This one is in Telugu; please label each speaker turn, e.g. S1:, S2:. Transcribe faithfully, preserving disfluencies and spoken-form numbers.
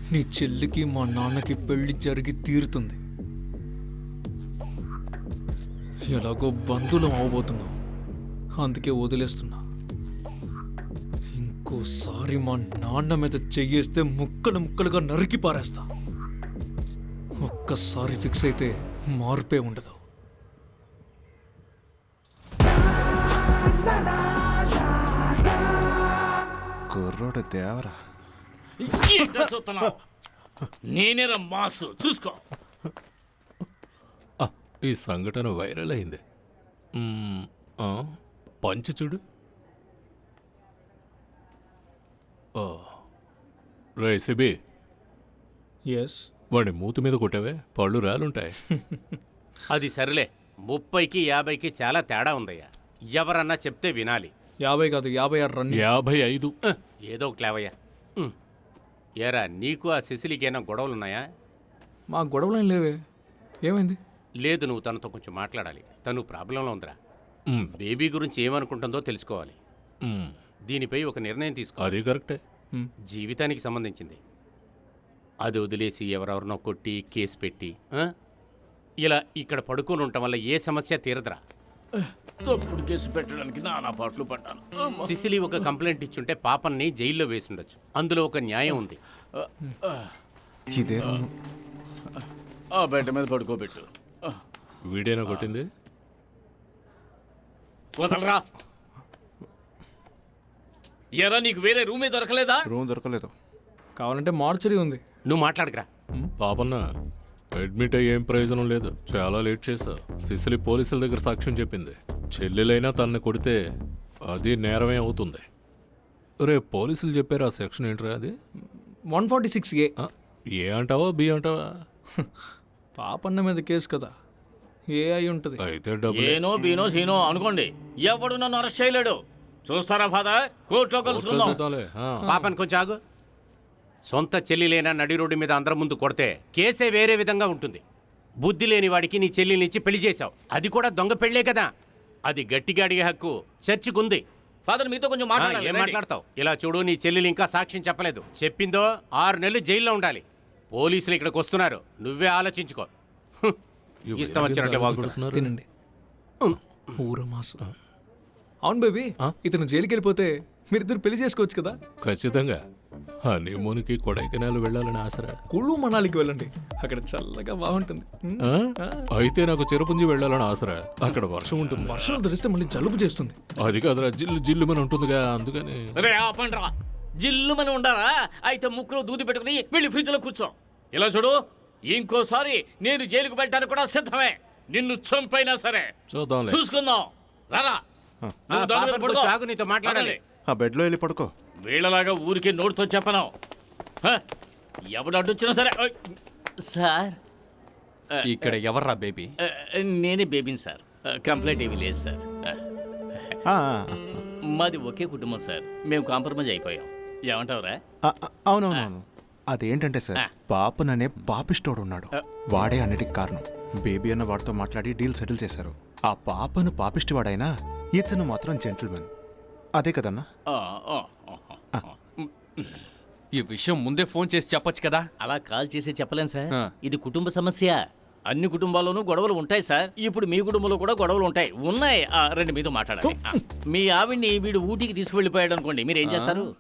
S1: నీ చెల్లికి మా నాన్నకి పెళ్లి జరిగి తీరుతుంది. ఎలాగో బంధువులం అవబోతున్నాం, అందుకే వదిలేస్తున్నా. ఇంకోసారి మా నాన్న మీద చెయ్యేస్తే ముక్కలు ముక్కలుగా నరికి పారేస్తా. ఒక్కసారి ఫిక్స్ అయితే మార్పే ఉండదు.
S2: కుర్రోడు దేవరా.
S3: నేనేరా మాసు చూసుకో.
S4: ఈ సంఘటన వైరల్ అయింది. మ్మ్, ఆ, పంచి చూడు. రే సిబి,
S1: ఎస్,
S4: వాడి మూతి మీద కొట్టావే, పళ్ళు రాలుంటాయి.
S5: అది సరేలే, ముప్పైకి యాభైకి చాలా తేడా ఉందయ్యా. ఎవరన్నా చెప్తే వినాలి.
S1: యాభై కాదు యాభై ఆరు రన్.
S4: యాభై ఐదు.
S5: ఉహ్, ఏదో ఒక లేవయ్యా. ఉహ్. ఏరా, నీకు ఆ సిసిలికేనా గొడవలున్నాయా?
S1: మా గొడవలేం లేవే, ఏమైంది?
S5: లేదు, నువ్వు తనతో కొంచెం మాట్లాడాలి. తను ప్రాబ్లంలో ఉందిరా.
S4: మ్మ్,
S5: బేబీ గురించి ఏమనుకుంటుందో తెలుసుకోవాలి.
S4: మ్మ్,
S5: దీనిపై ఒక నిర్ణయం తీసుకో.
S4: అది కరెక్టే.
S5: జీవితానికి సంబంధించింది. అది వదిలేసి ఎవరెవరినో కొట్టి కేసు పెట్టి ఆ? ఇలా ఇక్కడ పడుకొని ఉండటం వల్ల ఏ సమస్య తీరదురా.
S3: తప్పుడు కేసు పెట్టడానికి నానా పాటలు పడ్డాను.
S5: సిసిలి ఒక కంప్లైంట్ ఇచ్చుంటే పాపన్ని జైల్లో వేసుండొచ్చు. అందులో ఒక న్యాయం ఉంది.
S2: ఇదే రూము.
S3: ఆ బెడ్ మీద పడుకోబెట్టు.
S4: వీడేనా కొట్టింది?
S3: వదలరా. ఎరా, నీకు వేరే రూమే దొరకలేదా?
S2: రూమ్ దొరకలేదు.
S1: కావాలంటే మార్చరీ ఉంది.
S5: నువ్వు మాట్లాడకరా.
S4: పాపన్న, అడ్మిట్ అయ్యి ఏం ప్రయోజనం లేదు, చాలా లేట్ చేశా. సిసిలి పోలీసుల దగ్గర సాక్ష్యం చెప్పింది. చెల్లెలైనా తనని కొడితే అది నేరమే అవుతుంది. రే, పోలీసులు చెప్పారు ఆ సెక్షన్ ఏంట్రా అది?
S1: One forty six A.
S4: ఆ, ఏ అంటావా బి అంటావా?
S1: పాపన్న మీద కేసు కదా, ఏ అయి ఉంటుంది.
S4: అయితే డబ్బులు
S3: ఏనో బీనో సీనో అనుకోండి, ఎవడు నన్ను అరెస్ట్ చేయలేడు. చూస్తారా ఫాదర్, కోర్టులో కలుసుకుందాం.
S4: చూద్దాంలే. ఆ.
S5: పాపని కొంచెం ఆగు. సొంత చెల్లిలేనా నడి రోడ్డు మీద అందరం ముందు కొడితే కేసే వేరే విధంగా ఉంటుంది. బుద్ధి లేని వాడికి నీ చెల్లినిచ్చి పెళ్లి చేశావు, అది కూడా దొంగ పెళ్లే కదా. అది గట్టిగా అడిగే హక్కు చర్చికుంది.
S3: ఫాదర్, మీతో కొంచెం
S5: ఆ,
S3: మాట్లాడాలి.
S5: ఏం
S3: రండి.
S5: మాట్లాడతావు? ఇలా చూడు, నీ చెల్లెలు ఇంకా సాక్ష్యం చెప్పలేదు. చెప్పిందో ఆరు నెలలు జైల్లో ఉండాలి. పోలీసులు ఇక్కడికి వస్తున్నారు, నువ్వే ఆలోచించుకో. హ్మ్.
S4: ఇవి
S5: ఇష్టం వచ్చినట్టే వాగుతున్నారు.
S4: కొడుతున్నారు.
S1: తినండి. ఊరమాసు. అవును బేబీ, ఇతను జైలుకి వెళ్ళిపోతే మీరిద్దరు పెళ్లి చేసుకోవచ్చు కదా.
S4: ఖచ్చితంగా. హనీమూన్కి కొడైకెనాల్ వెళ్ళాలని ఆసరా.
S1: కుళ్ళు మనాలికి వెళ్ళండి, అక్కడ చల్లగా బాగుంటుంది. ఉమ్,
S4: ఆ? అయితే నాకు చిరపుంజి వెళ్ళాలని ఆసరా. అక్కడ వర్షం ఉంటుంది.
S1: వర్షం తెలిస్తే మళ్ళీ జలుబు చేస్తుంది.
S4: అది కాదురా, జిల్లు జిల్లుమని ఉంటుందిగా, అందుకని.
S3: రే ఆపండి రా. జిల్లుమని ఉండాలా? అయితే ముక్కులో దూది పెట్టుకుని వెళ్ళి ఫ్రిడ్జ్లో కూర్చో. ఇలా చూడు, ఇంకోసారి నేను జైలుకు వెళ్ళడానికి కూడా సిద్ధమే. నిన్ను చంపైనా సరే
S4: చూద్దాంలే.
S3: చూసుకుందాం. రారా.
S5: ఆ,
S3: నువ్వు దాని మీద
S5: పాపని
S3: పడుకో.
S5: కొంచెం ఆగు, నీతో మాట్లాడాలి.
S2: ఆ బెడ్లో వెళ్ళి పడుకో.
S3: వీళ్ళలాగా ఊరికే నోటితో చెప్పను. హ? ఎవడు అడ్డొచ్చినా సరే. ఓయ్. సార్,
S6: ఇక్కడ ఎవర్రా బేబీ?
S3: ఆ, నేనే బేబీని సార్. ఆ, కంప్లైంట్ ఏమీ లేదు సార్. ఆ,
S2: ఆ, ఆ,
S3: మాది ఒకే కుటుంబం సార్. మేము కాంప్రమైజ్ అయిపోయాం. ఏమంటావురా?
S2: ఆ, ఆ, అవునవునవును. అదేంటంటే సార్, పాపననే పాపిస్టోడు ఉన్నాడు. వాడే అన్నిటికీ కారణం. బేబీ అన్న వాడితో మాట్లాడి డీల్ సెటిల్ చేశారు. ఆ పాపను పాపిస్టివాడైనా ఇతను మాత్రం జెంటిల్మెన్. అదే కదన్నా?
S3: ఆ, ఆ, ఆ, ఆ.
S6: ఈ విషయం ముందే ఫోన్ చేసి చెప్పొచ్చు కదా.
S3: అలా కాల్ చేసి చెప్పలేం సార్.
S6: ఆ.
S3: ఇది కుటుంబ సమస్య. అన్ని కుటుంబాల్లోనూ గొడవలు ఉంటాయి సార్. ఇప్పుడు మీ కుటుంబంలో కూడా గొడవలు ఉంటాయి. ఉన్నాయి. ఆ, రండి, మీతో మాట్లాడాలి. ఆ, మీ ఆవిడ్ని వీడు ఊటీకి తీసుకువెళ్ళిపోయాడు అనుకోండి, మీరు ఏం చేస్తారు?